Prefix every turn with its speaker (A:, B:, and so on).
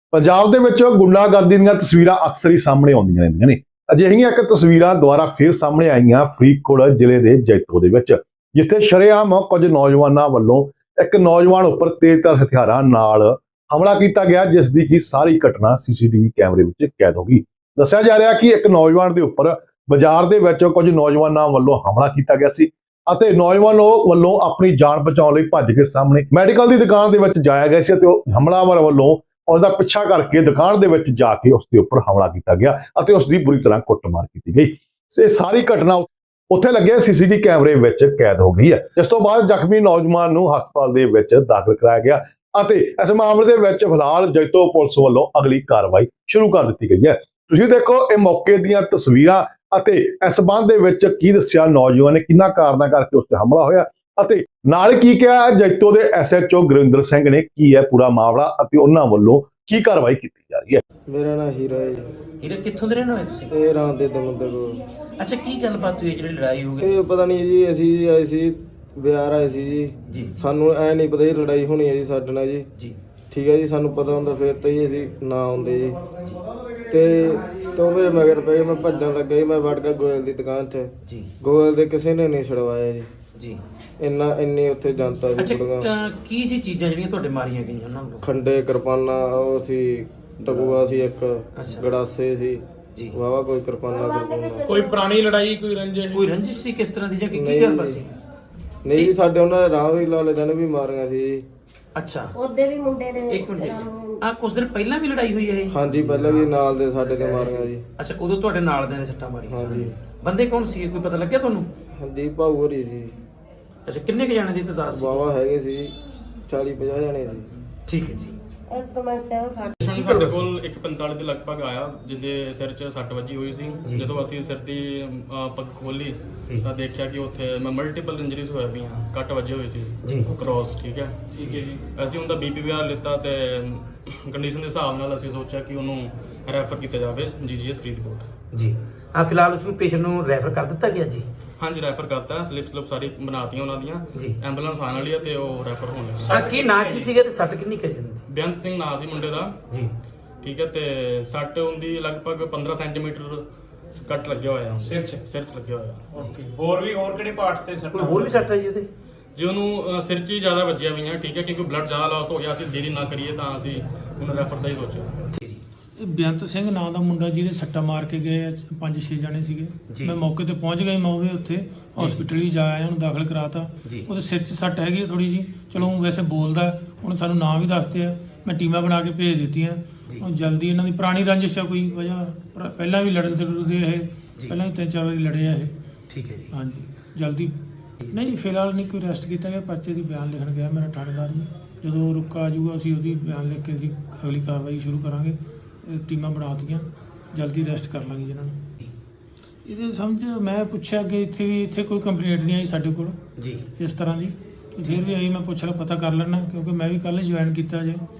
A: ਪੰਜਾਬ ਦੇ ਵਿੱਚ ਗੁੰਡਾਗਰਦੀ ਦੀਆਂ ਤਸਵੀਰਾਂ ਅਕਸਰ ਹੀ ਸਾਹਮਣੇ ਆਉਂਦੀਆਂ ਰਹਿੰਦੀਆਂ ਨੇ। ਅਜਿਹੀਆਂ ਇੱਕ ਤਸਵੀਰਾਂ ਦੁਆਰਾ ਫਿਰ ਸਾਹਮਣੇ ਆਈਆਂ ਫਰੀਦਕੋਟ ਜ਼ਿਲ੍ਹੇ ਦੇ ਜੈਤੋ ਦੇ ਵਿੱਚ, ਜਿੱਥੇ ਸ਼ਰੇਆਮ ਕੁਝ ਨੌਜਵਾਨਾਂ ਵੱਲੋਂ ਇੱਕ ਨੌਜਵਾਨ ਉੱਪਰ ਤੇਜ਼ਧਾਰ ਹਥਿਆਰਾਂ ਨਾਲ ਹਮਲਾ ਕੀਤਾ ਗਿਆ, ਜਿਸ ਦੀ ਕਿ ਸਾਰੀ ਘਟਨਾ ਸੀਸੀਟੀਵੀ ਕੈਮਰੇ ਵਿੱਚ ਕੈਦ ਹੋ ਗਈ। ਦੱਸਿਆ ਜਾ ਰਿਹਾ ਕਿ ਇੱਕ ਨੌਜਵਾਨ ਦੇ ਉੱਪਰ ਬਾਜ਼ਾਰ ਦੇ ਵਿੱਚ ਕੁਝ ਨੌਜਵਾਨਾਂ ਵੱਲੋਂ ਹਮਲਾ ਕੀਤਾ ਗਿਆ ਸੀ ਅਤੇ ਨੌਜਵਾਨ ਵੱਲੋਂ ਆਪਣੀ ਜਾਨ ਬਚਾਉਣ ਲਈ ਭੱਜ ਕੇ ਸਾਹਮਣੇ ਮੈਡੀਕਲ ਦੀ ਦੁਕਾਨ ਦੇ ਵਿੱਚ ਜਾਇਆ ਗਿਆ ਸੀ ਅਤੇ ਉਹ ਹਮਲਾਵਰ ਵੱਲੋਂ ਉਸ ਦਾ ਪਿੱਛਾ ਕਰਕੇ ਦੁਕਾਨ ਦੇ ਵਿੱਚ ਜਾ ਕੇ ਉਸ ਦੇ ਉੱਪਰ ਹਮਲਾ ਕੀਤਾ ਗਿਆ ਅਤੇ ਉਸ ਦੀ ਬੁਰੀ ਤਰ੍ਹਾਂ ਕੁੱਟਮਾਰ ਕੀਤੀ ਗਈ। ਇਹ ਸਾਰੀ ਘਟਨਾ ਉੱਥੇ ਲੱਗੇ ਸੀਸੀਟੀਵੀ ਕੈਮਰੇ ਵਿੱਚ ਕੈਦ ਹੋ ਗਈ ਹੈ। ਇਸ ਤੋਂ ਬਾਅਦ ਜ਼ਖਮੀ ਨੌਜਵਾਨ ਨੂੰ ਹਸਪਤਾਲ ਦੇ ਵਿੱਚ ਦਾਖਲ ਕਰਾਇਆ ਗਿਆ ਅਤੇ ਇਸ ਮਾਮਲੇ ਦੇ ਵਿੱਚ ਫਿਲਹਾਲ ਜੈਤੋ ਪੁਲਿਸ ਵੱਲੋਂ ਅਗਲੀ ਕਾਰਵਾਈ ਸ਼ੁਰੂ ਕਰ ਦਿੱਤੀ ਗਈ ਹੈ। ਤੁਸੀਂ ਦੇਖੋ ਇਹ ਮੌਕੇ ਦੀਆਂ ਤਸਵੀਰਾਂ ਅਤੇ ਇਸ ਸੰਬੰਧ ਦੇ ਵਿੱਚ ਕੀ ਦੱਸਿਆ ਨੌਜਵਾਨ ਨੇ, ਕਿੰਨਾ ਕਾਰਨਾਂ ਕਰਕੇ ਉਸ ਤੇ ਹਮਲਾ ਹੋਇਆ ਅਤੇ ਨਾਲ ਕੀ ਕਿਹਾ ਜੈਤੋ ਦੇ ਐਸਐਚਓ ਗੁਰਿੰਦਰ ਸਿੰਘ ਨੇ, ਕੀ ਹੈ ਪੂਰਾ ਮਾਮਲਾ ਅਤੇ ਉਹਨਾਂ ਵੱਲੋਂ ਕੀ ਕਾਰਵਾਈ ਕੀਤੀ ਜਾ ਰਹੀ ਹੈ।
B: ਮੇਰਾ ਨਾਮ ਹੀਰਾ ਹੈ ਜੀ।
C: ਹੀਰਾ ਕਿੱਥੋਂ ਦੇ ਰਹਿਣ ਵਾਲੇ ਤੁਸੀਂ?
B: ਇਹ ਰਾਤ ਦੇ ਦਮਦਮੇ ਕੋਲ।
C: ਅੱਛਾ, ਕੀ ਗੱਲਬਾਤ ਹੋਈ ਜਿਹੜੀ ਲੜਾਈ ਹੋ ਗਈ?
B: ਇਹ ਪਤਾ ਨਹੀਂ ਜੀ, ਅਸੀਂ ਆਏ ਸੀ ਬਿਹਾਰ ਆਏ ਸੀ ਜੀ। ਸਾਨੂੰ ਐ ਨਹੀਂ ਪਤਾ ਜੀ ਲੜਾਈ ਹੋਣੀ ਹੈ ਜੀ ਸਾਡੇ ਨਾਲ ਜੀ। ਠੀਕ ਹੈ ਜੀ, ਸਾਨੂੰ ਪਤਾ ਹੁੰਦਾ ਫਿਰ ਤਾਂ ਜੀ ਅਸੀਂ ਨਾ ਆਉਂਦੇ ਜੀ। ਤੇ ਤੋਂ ਮੇਰੇ ਮਗਰ ਪਏ, ਮੈਂ ਭੱਜਣ ਲੱਗਾ ਜੀ। ਮੈਂ ਵੜ ਕੇ ਗੋਇਲ ਦੀ ਦੁਕਾਨ 'ਚ ਜੀ। ਗੋਇਲ ਦੇ ਕਿਸੇ ਨੇ ਨਹੀਂ ਛਡਵਾਇਆ ਜੀ। ਇੰਨੀ ਉੱਥੇ ਜਨਤਾ ਸੀ।
C: ਅੱਛਾ, ਕੀ ਸੀ ਚੀਜ਼ਾਂ ਜਿਹੜੀਆਂ ਤੁਹਾਡੇ ਮਾਰੀਆਂ ਗਈਆਂ ਉਹਨਾਂ ਨੂੰ?
B: ਖੰਡੇ, ਕਿਰਪਾਨਾਂ, ਉਹ ਸੀ ਟਕੂਆ ਸੀ, ਇੱਕ ਗੜਾਸੇ ਸੀ ਜੀ। ਵਾਵਾ ਕੋਈ ਕਿਰਪਾਨਾਂ
D: ਕੋਈ ਪੁਰਾਣੀ ਲੜਾਈ, ਕੋਈ
C: ਰੰਜਿਸ਼ ਸੀ ਕਿਸ ਤਰ੍ਹਾਂ ਦੀ ਜਾਂ ਕੀ ਗੱਲ ਸੀ?
B: ਨਹੀਂ ਜੀ, ਸਾਡੇ ਉਹਨਾਂ ਦੇ ਰਾਹ ਵੀ ਲਾਲੇ ਦਿਨ ਵੀ ਮਾਰੀਆਂ ਸੀ ਜੀ।
C: ਅੱਛਾ,
E: ਉਹਦੇ ਵੀ ਮੁੰਡੇ ਨੇ
C: ਇੱਕ ਮਿੰਟ, ਆ ਕੁਝ ਦਿਨ ਪਹਿਲਾਂ ਵੀ ਲੜਾਈ ਹੋਈ ਹੈ ਇਹ?
B: ਹਾਂਜੀ, ਪਹਿਲਾਂ ਵੀ ਨਾਲ ਦੇ ਸਾਡੇ ਤੇ ਮਾਰੀਆਂ ਜੀ।
C: ਅੱਛਾ, ਉਦੋਂ ਤੁਹਾਡੇ ਨਾਲ ਦੇ ਨੇ ਸੱਟਾਂ ਮਾਰੀਆਂ?
B: ਹਾਂਜੀ।
C: ਬੰਦੇ ਕੌਣ ਸੀ, ਕੋਈ ਪਤਾ ਲੱਗਿਆ ਤੁਹਾਨੂੰ?
B: ਹਾਂਜੀ, ਭਾਊ ਹੋਰੀ ਸੀ।
C: ਅੱਛਾ, ਕਿੰਨੇ ਕੁ ਜਾਣੇ ਦੀ ਤਾਦਾਦ ਸੀ?
B: ਵਾਵਾ ਹੈਗੇ ਸੀ, 40-50 ਜਣੇ ਸੀ।
C: ਠੀਕ ਹੈ ਜੀ।
E: ਇੱਕ ਮਿੰਟ ਖੜ।
D: ਸਾਡੇ ਕੋਲ 1:45 ਦੇ ਲਗਭਗ ਆਇਆ, ਜਿਹਦੇ ਸਿਰ 'ਚ ਸੱਟ ਵੱਜੀ ਹੋਈ ਸੀ। ਜਦੋਂ ਅਸੀਂ ਸਿਰ ਦੀ ਪੱਗ ਖੋਲੀ ਤਾਂ ਦੇਖਿਆ ਕਿ ਉੱਥੇ ਮਲਟੀਪਲ ਇੰਜਰੀਜ਼ ਹੋਏ ਪਈਆਂ, ਕੱਟ ਵੱਜੇ ਹੋਏ ਸੀ ਕ੍ਰੋਸ। ਠੀਕ ਹੈ ਜੀ। ਅਸੀਂ ਉਹਦਾ BPVR ਲਿੱਤਾ ਤੇ ਕੰਡੀਸ਼ਨ ਦੇ ਹਿਸਾਬ ਨਾਲ ਅਸੀਂ ਸੋਚਿਆ ਕਿ ਉਹਨੂੰ ਰੈਫਰ ਕੀਤਾ ਜਾਵੇ GGS ਫਰੀਦਕੋਟ ਜੀ।
C: ਫਿਲਹਾਲ ਉਸ ਨੂੰ ਪੇਸ਼ੈਂਟ ਨੂੰ ਰੈਫਰ ਕਰ ਦਿੱਤਾ ਗਿਆ ਜੀ?
D: ਹਾਂਜੀ, ਰੈਫਰ ਕਰਤਾ। ਸਲਿਪ ਸਾਰੀ ਬਣਾਤੀਆਂ ਉਹਨਾਂ ਦੀਆਂ। ਐਂਬੂਲੈਂਸ ਆਉਣ ਵਾਲੀ ਹੈ ਤੇ ਉਹ ਰੈਫਰ ਹੋਣ ਲੱਗੀ।
C: ਕੀ ਨਾਂ ਕੀ ਸੀਗਾ ਤੇ ਸੱਟ ਕਿੰਨੀ ਕੁ ਜਾਂਦੀ?
D: ਬੇਅੰਤ ਸਿੰਘ ਨਾਂ ਸੀ ਮੁੰਡੇ ਦਾ ਜੀ। ਠੀਕ ਹੈ, ਤੇ ਸੱਟ ਹੁੰਦੀ ਲਗਭਗ 15 ਸੈਂਟੀਮੀਟਰ ਕੱਟ ਲੱਗਿਆ ਹੋਇਆ ਸਿਰ 'ਚ ਲੱਗਿਆ ਹੋਇਆ।
C: ਓਕੇ।
D: ਹੋਰ ਕਿਹੜੇ ਪਾਰਟਸ ਤੇ ਸੱਟ?
C: ਕੋਈ ਹੋਰ ਵੀ ਸੱਟ ਹੈ ਜੀ ਉਹਦੇ?
D: ਜੇ ਉਹਨੂੰ ਸਿਰ 'ਚ ਹੀ ਜ਼ਿਆਦਾ ਵੱਜਿਆ ਹੋਈਆਂ। ਠੀਕ ਹੈ, ਕਿਉਂਕਿ ਬਲੱਡ ਜ਼ਿਆਦਾ ਲਾਸ ਹੋ ਗਿਆ, ਅਸੀਂ ਦੇਰੀ ਨਾ ਕਰੀਏ ਤਾਂ ਅਸੀਂ ਉਹਨੂੰ ਰੈਫਰ ਦਾ ਹੀ ਸੋਚਿਆ।
F: ਇਹ ਬੇਅੰਤ ਸਿੰਘ ਨਾਂ ਦਾ ਮੁੰਡਾ ਜਿਹਦੇ ਸੱਟਾਂ ਮਾਰ ਕੇ ਗਏ 5-6 ਜਣੇ ਸੀਗੇ। ਮੈਂ ਮੌਕੇ ਤੇ ਪਹੁੰਚ ਗਿਆ, ਮੈਂ ਉਹ ਵੀ ਉੱਥੇ ਹਸਪੀਟਲ ਹੀ ਜਾ ਆਇਆ, ਉਹਨੂੰ ਦਾਖਲ ਕਰਾਤਾ। ਉਹਦੇ ਸਿਰ 'ਚ ਸੱਟ ਹੈਗੀ ਥੋੜੀ ਜੀ। ਚਲੋ ਵੈਸੇ ਬੋਲਦਾ, ਹੁਣ ਸਾਨੂੰ ਨਾਂ ਵੀ ਦੱਸਦੇ ਆ, ਮੈਂ ਟੀਮਾਂ ਬਣਾ ਕੇ ਭੇਜ ਦਿੱਤੀਆਂ। ਹੁਣ ਜਲਦੀ ਇਹਨਾਂ ਦੀ ਪੁਰਾਣੀ ਰੰਜਿਸ਼ ਆ ਕੋਈ ਵਜ੍ਹਾ, ਪਹਿਲਾਂ ਵੀ ਲੜਦੇ ਇਹ, ਪਹਿਲਾਂ ਵੀ 3-4 ਵਾਰੀ ਲੜੇ ਆ ਇਹ।
C: ਠੀਕ ਹੈ ਜੀ।
F: ਹਾਂਜੀ, ਜਲਦੀ ਨਹੀਂ ਫਿਲਹਾਲ ਨਹੀਂ ਕੋਈ ਅਰੈਸਟ ਕੀਤਾ ਗਿਆ। ਪਰਚੇ ਦੀ ਬਿਆਨ ਲਿਖਣ ਗਿਆ ਮੇਰਾ ਥਾਣੇਦਾਰ ਜੀ। ਜਦੋਂ ਰੁਕਾ ਆ ਜਾਊਗਾ ਅਸੀਂ ਉਹਦੀ ਬਿਆਨ ਲਿਖ ਕੇ ਅਸੀਂ ਅਗਲੀ ਕਾਰਵਾਈ ਸ਼ੁਰੂ ਕਰਾਂਗੇ। ਟੀਮਾਂ ਬਣਾ ਦਿੱਤੀਆਂ, ਜਲਦੀ ਅਰੈਸਟ ਕਰ ਲਾਂਗੇ ਜਿਹਨਾਂ ਨੂੰ। ਇਹਦੇ ਸਮਝ ਮੈਂ ਪੁੱਛਿਆ ਕਿ ਇੱਥੇ ਕੋਈ ਕੰਪਲੇਂਟ ਨਹੀਂ ਆਈ ਸਾਡੇ ਕੋਲ ਜੀ ਇਸ ਤਰ੍ਹਾਂ ਦੀ। ਫਿਰ ਵੀ ਆਈ, ਮੈਂ ਪੁੱਛ ਲਾ, ਪਤਾ ਕਰ ਲੈਣਾ, ਕਿਉਂਕਿ ਮੈਂ ਵੀ ਕੱਲ੍ਹ ਜੁਆਇਨ ਕੀਤਾ ਜੇ।